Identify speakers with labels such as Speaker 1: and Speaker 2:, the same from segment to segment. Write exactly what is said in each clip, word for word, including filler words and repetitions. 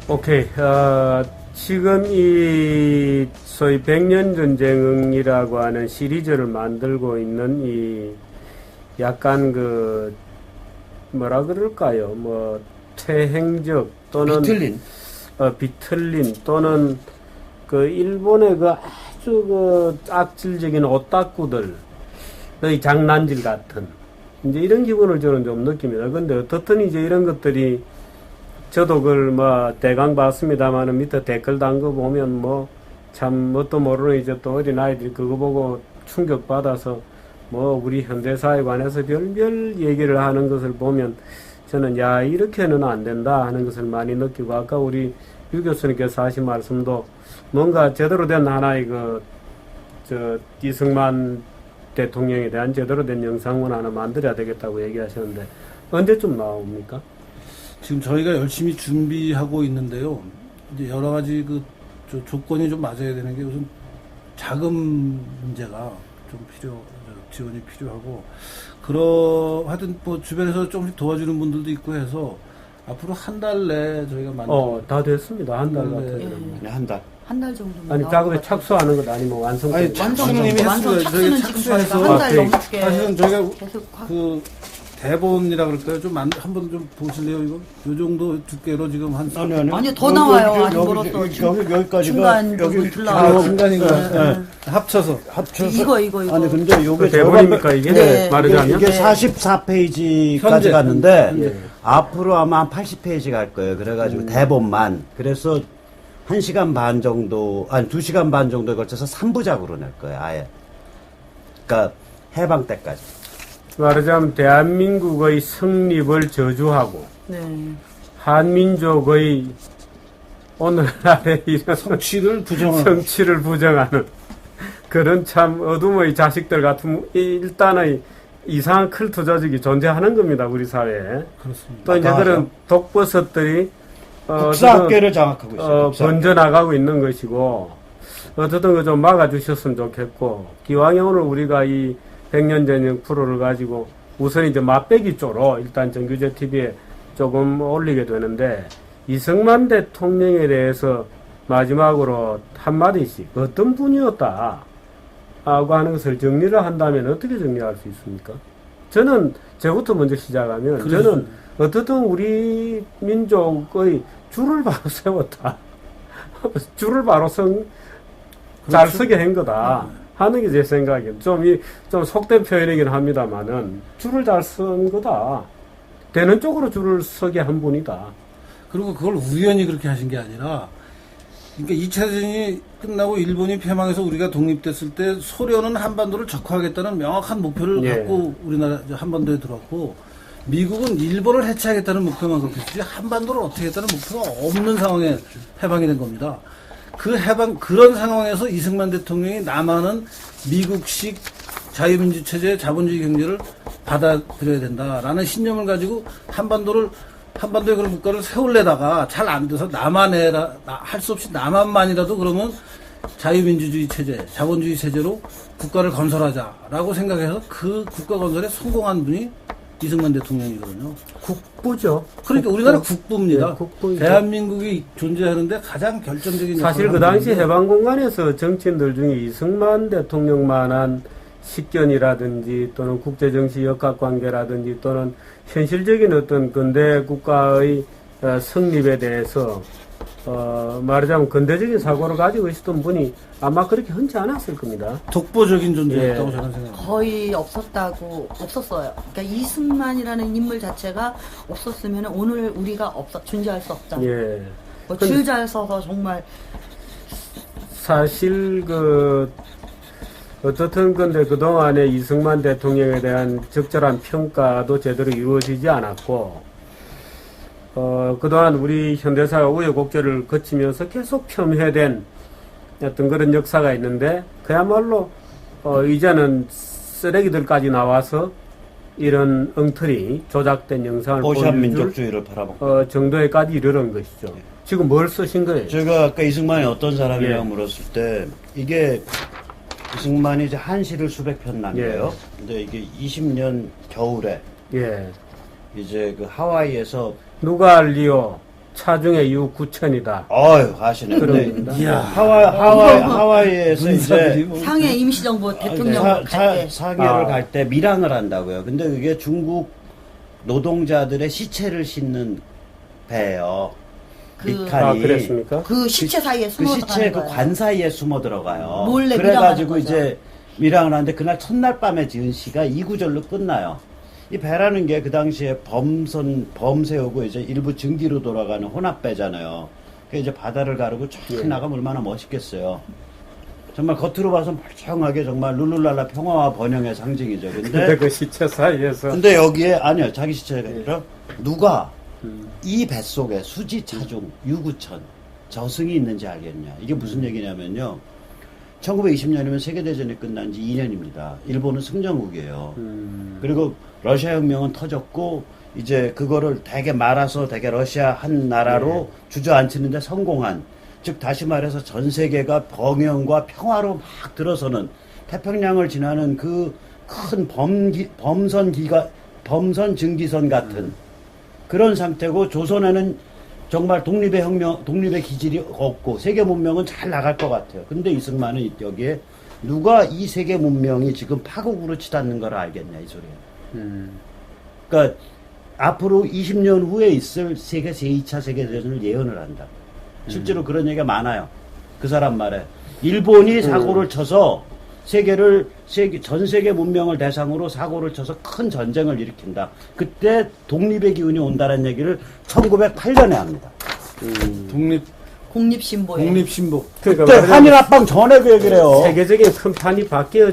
Speaker 1: 오케이. 어, 지금 이 소위 백년 전쟁이라고 하는 시리즈를 만들고 있는 이 약간 그 뭐라 그럴까요? 뭐 퇴행적 또는
Speaker 2: 비틀린
Speaker 1: 어, 비틀린 또는 그 일본의 그 아주 그 악질적인 오타쿠들의 장난질 같은 이제 이런 기분을 저는 좀 느낍니다. 근데 어떻든 이제 이런 것들이 저도 그걸 뭐 대강 봤습니다만은 밑에 댓글 단 거 보면 뭐 참 뭣도 모르는 이제 또 어린 아이들이 그거 보고 충격 받아서 뭐 우리 현대사에 관해서 별별 얘기를 하는 것을 보면 저는 야 이렇게는 안 된다 하는 것을 많이 느끼고 아까 우리 유 교수님께서 하신 말씀도 뭔가 제대로 된 하나의 그 저 이승만 대통령에 대한 제대로 된 영상문 하나 만들어야 되겠다고 얘기하셨는데 언제쯤 나옵니까?
Speaker 3: 지금 저희가 열심히 준비하고 있는데요. 이제 여러 가지 그 조, 조건이 좀 맞아야 되는 게 우선 자금 문제가 좀 필요, 지원이 필요하고, 그러, 하여튼 뭐 주변에서 조금씩 도와주는 분들도 있고 해서 앞으로 한 달 내에 저희가 만들
Speaker 1: 어, 다 됐습니다. 한 달 같은
Speaker 3: 네.
Speaker 1: 경우는.
Speaker 2: 네, 한 달.
Speaker 4: 한 달 정도면
Speaker 1: 아니, 작업에 착수하는 것 아니면 완성.
Speaker 3: 아니,
Speaker 4: 완성,
Speaker 3: 선생님이
Speaker 4: 완성
Speaker 3: 했어요.
Speaker 4: 착수는
Speaker 3: 저희
Speaker 4: 지금
Speaker 3: 착수해서
Speaker 4: 저희가 한 달
Speaker 1: 아,
Speaker 4: 넘게
Speaker 3: 사실은 저희가
Speaker 4: 계속 하-
Speaker 3: 그 대본이라 그럴까요? 좀 한번 좀 보실래요, 이거? 요 정도 두께로 지금 한
Speaker 2: 아니, 아니.
Speaker 4: 아니요, 더 나와요.
Speaker 2: 여기,
Speaker 4: 아직
Speaker 2: 여기,
Speaker 4: 멀었어.
Speaker 2: 여기,
Speaker 4: 지금
Speaker 2: 여기, 여기까지가
Speaker 4: 중간
Speaker 2: 여기
Speaker 4: 부분
Speaker 2: 이렇게
Speaker 3: 아,
Speaker 4: 나와요.
Speaker 3: 중간인가요?
Speaker 4: 네.
Speaker 3: 네. 합쳐서.
Speaker 2: 합쳐서.
Speaker 4: 이거, 이거, 이거.
Speaker 2: 아니, 근데 요게
Speaker 1: 그 대본입니까, 이게?
Speaker 4: 네.
Speaker 1: 말하자면?
Speaker 2: 이게
Speaker 4: 네.
Speaker 2: 사십사 페이지까지
Speaker 3: 현재.
Speaker 2: 갔는데
Speaker 1: 네.
Speaker 2: 앞으로 아마 한 팔십 페이지 갈 거예요. 그래가지고 대본만. 그래서 한 시간 반 정도, 아니 두 시간 반 정도에 걸쳐서 삼 부작으로 낼 거예요. 아예. 그러니까 해방 때까지.
Speaker 1: 말하자면 대한민국의 성립을 저주하고
Speaker 4: 네.
Speaker 1: 한민족의 오늘날의 이런
Speaker 3: 성취를 부정하는.
Speaker 1: 성취를 부정하는 그런 참 어둠의 자식들 같은 일단의 이상한 컬트 조직이 존재하는 겁니다. 우리 사회에.
Speaker 3: 그렇습니다.
Speaker 1: 또 이제
Speaker 2: 맞아.
Speaker 1: 그런 독버섯들이 어,
Speaker 2: 국사학계를 장악하고 있어요.
Speaker 1: 어,
Speaker 2: 국사학계.
Speaker 1: 번져나가고 있는 것이고 어쨌든 그 좀 막아주셨으면 좋겠고 기왕에 오늘 우리가 이 백년 전쟁 프로를 가지고 우선 이제 맛배기 쪽으로 일단 정규제 티비에 조금 올리게 되는데 이승만 대통령에 대해서 마지막으로 한마디씩 어떤 분이었다 하고 하는 것을 정리를 한다면 어떻게 정리할 수 있습니까? 저는 저부터 먼저 시작하면
Speaker 3: 그렇죠.
Speaker 1: 저는 어떻든 우리 민족의 줄을 바로 세웠다. 줄을 바로 성, 잘
Speaker 3: 그렇죠.
Speaker 1: 서게 한 거다. 하는 게 제 생각이에요. 좀, 이, 좀 속된 표현이긴 합니다만은, 줄을 잘 쓴 거다. 되는 쪽으로 줄을 서게 한 분이다.
Speaker 3: 그리고 그걸 우연히 그렇게 하신 게 아니라, 그러니까 이 차 대전이 끝나고 일본이 패망해서 우리가 독립됐을 때 소련은 한반도를 적화하겠다는 명확한 목표를
Speaker 1: 예.
Speaker 3: 갖고 우리나라 한반도에 들어왔고, 미국은 일본을 해체하겠다는 목표만 갖고 있지 한반도를 어떻게 하겠다는 목표가 없는 상황에 해방이 된 겁니다. 그 해방, 그런 상황에서 이승만 대통령이 남한은 미국식 자유민주 체제, 자본주의 경제를 받아들여야 된다라는 신념을 가지고 한반도를, 한반도에 그런 국가를 세울래다가 잘 안 돼서 남한에라, 할 수 없이 남한만이라도 그러면 자유민주주의 체제, 자본주의 체제로 국가를 건설하자라고 생각해서 그 국가 건설에 성공한 분이 이승만 대통령이거든요.
Speaker 1: 국부죠.
Speaker 3: 그러니까
Speaker 1: 국부.
Speaker 3: 우리나라 국부입니다.
Speaker 1: 예, 국부이죠.
Speaker 3: 대한민국이 존재하는데 가장 결정적인
Speaker 1: 사실
Speaker 3: 역할을
Speaker 1: 그 당시
Speaker 3: 하는
Speaker 1: 해방 공간에서 정치인들 중에 이승만 대통령만한 식견이라든지 또는 국제정치 역학관계라든지 또는 현실적인 어떤 근대 국가의 어, 성립에 대해서 어, 말하자면 근대적인 사고를 가지고 있었던 분이 아마 그렇게 흔치 않았을 겁니다.
Speaker 3: 독보적인 존재였다고
Speaker 1: 예.
Speaker 3: 저는 생각합니다.
Speaker 4: 거의 없었다고 없었어요. 그러니까 이승만이라는 인물 자체가 없었으면 오늘 우리가 없어 존재할 수 없다.
Speaker 1: 예.
Speaker 4: 뭐
Speaker 1: 근데-
Speaker 4: 줄 잘 서서 정말
Speaker 1: 사실 그 어떻든 근데 그동안에 이승만 대통령에 대한 적절한 평가도 제대로 이루어지지 않았고 어 그동안 우리 현대사가 우여곡절을 거치면서 계속 폄훼된 어떤 그런 역사가 있는데 그야말로 어 이제는 쓰레기들까지 나와서 이런 엉터리 조작된 영상을
Speaker 2: 오샵
Speaker 1: 보여줄
Speaker 2: 민족주의를 바라보고.
Speaker 1: 어 정도에까지 이르는 것이죠. 지금 뭘 쓰신 거예요?
Speaker 2: 제가 아까 이승만이 어떤 사람이라고
Speaker 1: 예.
Speaker 2: 물었을 때 이게 이승만이 이제 한시를 수백 편 남겨요. 근데 이게 이십 년 겨울에
Speaker 1: 예.
Speaker 2: 이제 그 하와이에서
Speaker 1: 누가 알리오 차중에 이후 구천이다.
Speaker 2: 어휴, 하시네.
Speaker 1: 그런
Speaker 2: 근데
Speaker 1: 겁니다.
Speaker 3: 이야.
Speaker 2: 하와이, 하와이, 하와이에서
Speaker 3: 문사들이
Speaker 2: 이제
Speaker 3: 뭐-
Speaker 4: 상해 임시정부 대통령
Speaker 2: 사,
Speaker 4: 갈
Speaker 2: 사,
Speaker 4: 때.
Speaker 2: 상해를
Speaker 1: 아.
Speaker 2: 갈 때 밀항을 한다고요. 근데 그게 중국 노동자들의 시체를 싣는 배예요.
Speaker 4: 그-
Speaker 2: 미칸이.
Speaker 1: 아, 그랬습니까?
Speaker 4: 그 시체 사이에
Speaker 2: 그
Speaker 4: 숨어
Speaker 2: 시체
Speaker 4: 들어가는
Speaker 2: 그
Speaker 4: 거예요.
Speaker 2: 관 사이에 숨어 들어가요.
Speaker 4: 몰래
Speaker 2: 그래가지고
Speaker 4: 밀항하는
Speaker 2: 이제 밀항을 하는데 그날 첫날 밤에 지은 시가 이 구절로 끝나요. 이 배라는 게 그 당시에 범선 범세우고 이제 일부 증기로 돌아가는 혼합배잖아요. 그 이제 바다를 가르고 쫙
Speaker 1: 예.
Speaker 2: 나가면 얼마나 멋있겠어요. 정말 겉으로 봐서 멀쩡하게 정말 룰루랄라 평화와 번영의 상징이죠.
Speaker 1: 근데
Speaker 2: 근데
Speaker 1: 그 시체 사이에서
Speaker 2: 근데 여기에 아니요 자기 시체가 아니라 누가
Speaker 1: 음.
Speaker 2: 이 뱃속에 수지 차중 유구천 저승이 있는지 알겠냐. 이게 무슨 얘기냐면요. 천구백이십 년이면 세계대전이 끝난 지 이 년입니다. 일본은 승전국이에요.
Speaker 1: 음.
Speaker 2: 그리고 러시아 혁명은 터졌고 이제 그거를 되게 말아서 되게 러시아 한 나라로 주저앉히는데 성공한, 즉 다시 말해서 전 세계가 번영과 평화로 막 들어서는 태평양을 지나는 그 큰 범기, 범선 기가 범선 증기선 같은
Speaker 1: 음.
Speaker 2: 그런 상태고, 조선에는 정말 독립의 혁명, 독립의 기질이 없고 세계 문명은 잘 나갈 것 같아요. 근데 이승만은 여기에 누가 이 세계 문명이 지금 파국으로 치닫는 걸 알겠냐 이 소리예요.
Speaker 1: 음.
Speaker 2: 그러니까 앞으로 이십 년 후에 있을 세계 제이 차 세계대전을 예언을 한다. 실제로 그런 얘기가 많아요. 그 사람 말에 일본이 사고를 쳐서 세계를 세계 전 세계 문명을 대상으로 사고를 쳐서 큰 전쟁을 일으킨다. 그때 독립의 기운이 온다는 얘기를 천구백팔 년에 합니다.
Speaker 1: 음.
Speaker 3: 독립
Speaker 4: 공립신보에.
Speaker 3: 독립신복.
Speaker 1: 그러니까
Speaker 2: 그때
Speaker 1: 말하자면
Speaker 2: 한일 합방 전에 그 얘기를 해요.
Speaker 1: 세계적인 큰 판이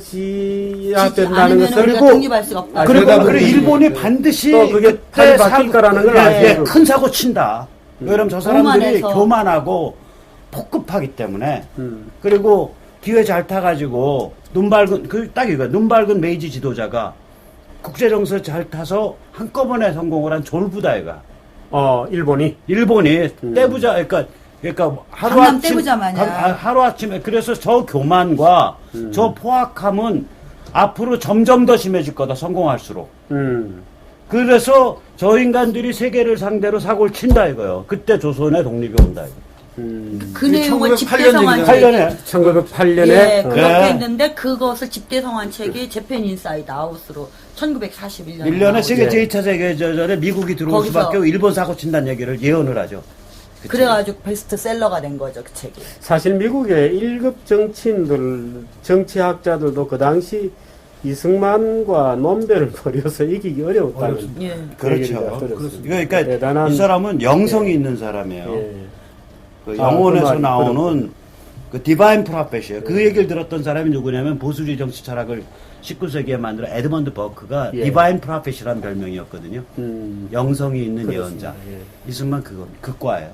Speaker 1: 바뀌어져야
Speaker 4: 지지
Speaker 1: 된다는
Speaker 4: 않으면
Speaker 1: 것을
Speaker 4: 우리가
Speaker 2: 그리고-
Speaker 4: 독립할 수가 없다.
Speaker 1: 아,
Speaker 2: 그리고
Speaker 1: 그러다
Speaker 2: 그리고
Speaker 1: 보니
Speaker 2: 일본이 반드시
Speaker 1: 또 그게
Speaker 2: 그때
Speaker 1: 판이 바뀔 거라는 걸
Speaker 2: 예,
Speaker 1: 알죠.
Speaker 2: 예, 큰 사고 친다. 왜냐면 저 사람들이
Speaker 4: 교만해서.
Speaker 2: 교만하고 폭급하기 때문에.
Speaker 1: 음.
Speaker 2: 그리고 기회 잘 타가지고 눈 밝은 그 딱 이거 눈 밝은 메이지 지도자가 국제 정세 잘 타서 한꺼번에 성공을 한 졸부다 이가.
Speaker 1: 어, 일본이
Speaker 2: 일본이
Speaker 1: 음.
Speaker 2: 떼부자 그러니까 그러니까 하루
Speaker 4: 강남
Speaker 2: 아침
Speaker 4: 떼부자 마냥.
Speaker 2: 하루 아침에 그래서 저 교만과
Speaker 1: 음.
Speaker 2: 저 포악함은 앞으로 점점 더 심해질 거다 성공할수록.
Speaker 1: 음.
Speaker 2: 그래서 저 인간들이 세계를 상대로 사고를 친다 이거요. 그때 조선의 독립이 온다 이거.
Speaker 1: 음.
Speaker 4: 그 내용을
Speaker 3: 천구백팔 년
Speaker 4: 집대성한
Speaker 3: 얘기잖아요.
Speaker 2: 팔
Speaker 4: 책이.
Speaker 2: 년에
Speaker 1: 천구백팔 년에
Speaker 4: 예,
Speaker 1: 어.
Speaker 4: 그렇게
Speaker 2: 네.
Speaker 4: 했는데 그것을 집대성한 책이 재팬 인사이드 아웃으로 천구백사십일 년에
Speaker 2: 일 년에 세계
Speaker 1: 예.
Speaker 2: 제이 차 세계대전에 미국이 들어올
Speaker 4: 거기서-
Speaker 2: 수밖에 없고 일본 사고 친다는 얘기를 예언을 하죠. 그치?
Speaker 4: 그래가지고 베스트셀러가 된 거죠, 그 책이.
Speaker 1: 사실 미국의 일 급 정치인들, 정치학자들도 그 당시 이승만과 논배를 벌여서 이기기 어려웠다는
Speaker 3: 어렵습니다.
Speaker 4: 예.
Speaker 2: 그렇죠.
Speaker 1: 얘기가 들었습니다.
Speaker 2: 이거 그러니까
Speaker 1: 대단한
Speaker 2: 이 사람은 영성이 있는 사람이에요.
Speaker 1: 예.
Speaker 2: 그
Speaker 1: 아,
Speaker 2: 영혼에서
Speaker 1: 그 말이
Speaker 2: 나오는 그 디바인 프로페시예요. 그 얘기를 들었던 사람이 누구냐면 보수주의 정치 철학을 십구 세기에 만들어 에드먼드 버크가
Speaker 1: 예.
Speaker 2: 디바인 프로페시라는 별명이었거든요.
Speaker 1: 음.
Speaker 2: 영성이 있는
Speaker 1: 그렇습니다.
Speaker 2: 예언자.
Speaker 1: 예.
Speaker 2: 이승만 그거 그 과예요.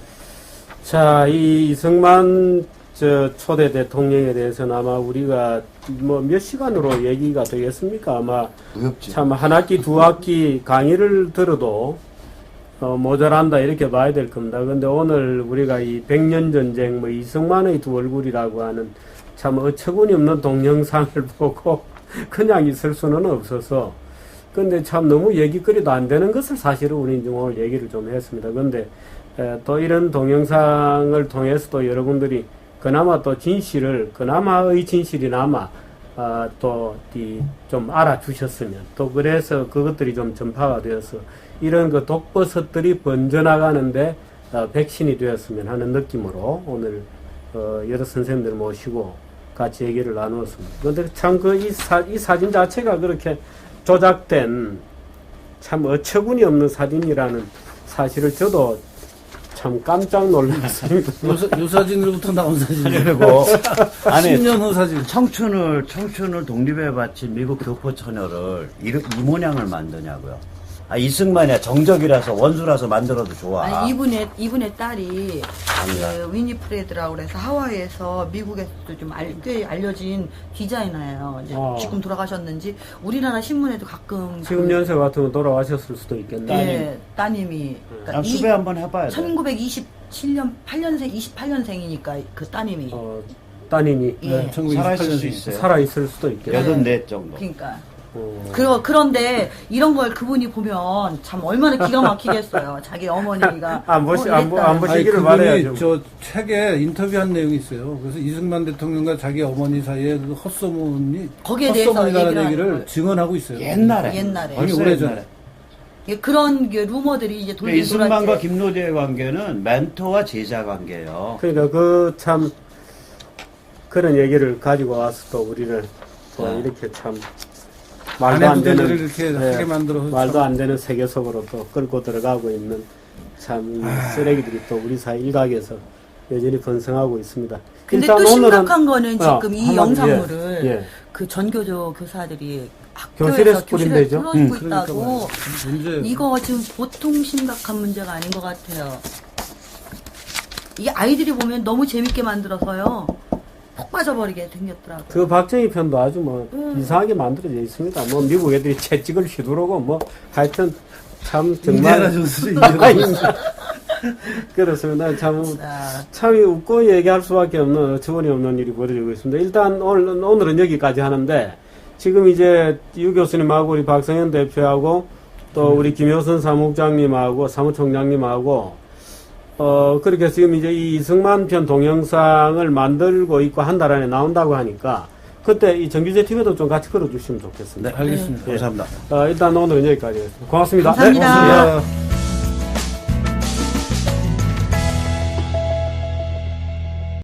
Speaker 1: 자, 이 이승만 저 초대 대통령에 대해서는 아마 우리가 뭐 몇 시간으로 얘기가 되겠습니까? 아마
Speaker 2: 무협지.
Speaker 1: 참 한 학기 두 학기 강의를 들어도 어, 모자란다 이렇게 봐야 될 겁니다. 근데 오늘 우리가 이 백년 전쟁 뭐 이승만의 두 얼굴이라고 하는 참 어처구니 없는 동영상을 보고 그냥 있을 수는 없어서, 근데 참 너무 얘기거리도 안 되는 것을 사실은 우리 이제 오늘 얘기를 좀 했습니다. 근데 에, 또 이런 동영상을 통해서도 여러분들이 그나마 또 진실을, 그나마의 진실이나마 아, 또 좀 알아주셨으면, 또 그래서 그것들이 좀 전파가 되어서 이런 그 독버섯들이 번져나가는데 어, 백신이 되었으면 하는 느낌으로 오늘 어, 여러 선생님들 모시고 같이 얘기를 나누었습니다. 그런데 참 그 이 사, 이 사진 자체가 그렇게 조작된 참 어처구니 없는 사진이라는 사실을 저도 참 깜짝 놀랐습니다.
Speaker 3: 요, 사- 요 사진으로부터 나온 사진이에요.
Speaker 2: 그리고 아니
Speaker 3: 십 년 후 사진.
Speaker 2: 청춘을 청춘을 독립에 바친 미국 교포 처녀를 이, 이 모양을 만드냐고요. 아 이승만이야 정적이라서 원수라서 만들어도 좋아.
Speaker 4: 아니, 이분의, 이분의 딸이,
Speaker 2: 아니야.
Speaker 4: 그 위니프레드라고 그래서 하와이에서 미국에서도 좀 알, 꽤 알려진 디자이너예요. 이제
Speaker 1: 어.
Speaker 4: 지금 돌아가셨는지, 우리나라 신문에도 가끔.
Speaker 1: 지금
Speaker 4: 그,
Speaker 1: 연세 같으면 돌아가셨을 수도 있겠네.
Speaker 4: 예, 따님이. 그러니까
Speaker 2: 아,
Speaker 4: 이-
Speaker 2: 수배 한번 해봐야 돼.
Speaker 4: 천구백이십칠 년, 팔 년생, 이십팔 년생이니까 그 따님이.
Speaker 1: 어, 따님이
Speaker 4: 예.
Speaker 3: 네, 천구백이십팔
Speaker 2: 살아있을 수
Speaker 3: 년생.
Speaker 2: 있어요.
Speaker 1: 살아있을 수도 있겠네.
Speaker 2: 여든 넷 정도.
Speaker 4: 그러니까.
Speaker 1: 어.
Speaker 4: 그, 그런데 이런 걸 그분이 보면 참 얼마나 기가 막히겠어요. 자기 어머니가.
Speaker 1: 안 보시-
Speaker 4: 뭐
Speaker 1: 안 보-
Speaker 4: 이랬다.
Speaker 1: 안 보시-
Speaker 3: 아니,
Speaker 1: 시기를
Speaker 3: 그분이
Speaker 1: 말해야죠.
Speaker 3: 저 책에 인터뷰한 내용이 있어요. 그래서 이승만 대통령과 자기 어머니 사이에 그 헛소문이
Speaker 4: 거기에 대해서
Speaker 3: 헛소문이라는
Speaker 4: 얘기를
Speaker 3: 얘기를
Speaker 4: 하는 거예요.
Speaker 3: 증언하고 있어요.
Speaker 2: 옛날에.
Speaker 4: 옛날에.
Speaker 3: 아니,
Speaker 2: 벌써
Speaker 3: 오래전에.
Speaker 2: 옛날에.
Speaker 4: 예, 그런 게 루머들이 이제 돌긴
Speaker 2: 이승만과
Speaker 4: 돌았지.
Speaker 2: 김노재의 관계는 멘토와 제자 관계예요.
Speaker 1: 그러니까 그 참 그런 얘기를 가지고 와서 또 우리를 또
Speaker 2: 네.
Speaker 1: 이렇게 참 말도 안
Speaker 3: 아내
Speaker 1: 되는
Speaker 3: 부대를 이렇게 하게 만들어서
Speaker 1: 말도
Speaker 3: 참-
Speaker 1: 안 되는 세계 속으로 또 끌고 들어가고 있는 참이 쓰레기들이 또 우리 사회 일각에서 여전히 번성하고 있습니다.
Speaker 4: 근데
Speaker 1: 일단
Speaker 4: 또
Speaker 1: 오늘은-
Speaker 4: 심각한 거는
Speaker 1: 어,
Speaker 4: 지금 이
Speaker 1: 한마디,
Speaker 4: 영상물을
Speaker 1: 예, 예.
Speaker 4: 그 전교조 교사들이
Speaker 1: 교실에서
Speaker 4: 학교에서 교실에
Speaker 1: 뿌린대죠?
Speaker 4: 풀어주고
Speaker 3: 음, 그러니까
Speaker 4: 있다고.
Speaker 3: 말이에요. 문제
Speaker 4: 이거 지금 보통 심각한 문제가 아닌 것 같아요. 이게 아이들이 보면 너무 재밌게 만들어서요. 폭 빠져버리게 생겼더라고요.
Speaker 1: 그 박정희 편도 아주 뭐
Speaker 4: 음.
Speaker 1: 이상하게 만들어져 있습니다. 뭐 미국 애들이 채찍을 휘두르고 뭐 하여튼 참
Speaker 3: 인디아나
Speaker 1: 정말
Speaker 3: 존스죠, 인디아나 존스.
Speaker 1: 그렇습니다. 참
Speaker 4: 자,
Speaker 1: 참 웃고 얘기할 수밖에 없는 어처구니 없는 일이 벌어지고 있습니다. 일단 오늘, 오늘은 여기까지 하는데 지금 이제 유 교수님하고 우리 박성현 대표하고 또 우리 김효선 사무국장님하고 사무총장님하고 어 그렇게 해서 지금 이제 이 이승만 편 동영상을 만들고 있고 한 달 안에 나온다고 하니까 그때 이 정규제 티비도 좀 같이 걸어주시면 좋겠습니다.
Speaker 3: 알겠습니다.
Speaker 2: 감사합니다.
Speaker 1: 어, 일단 오늘은 여기까지 하겠습니다. 고맙습니다.
Speaker 4: 감사합니다.
Speaker 1: 네,
Speaker 3: 고맙습니다.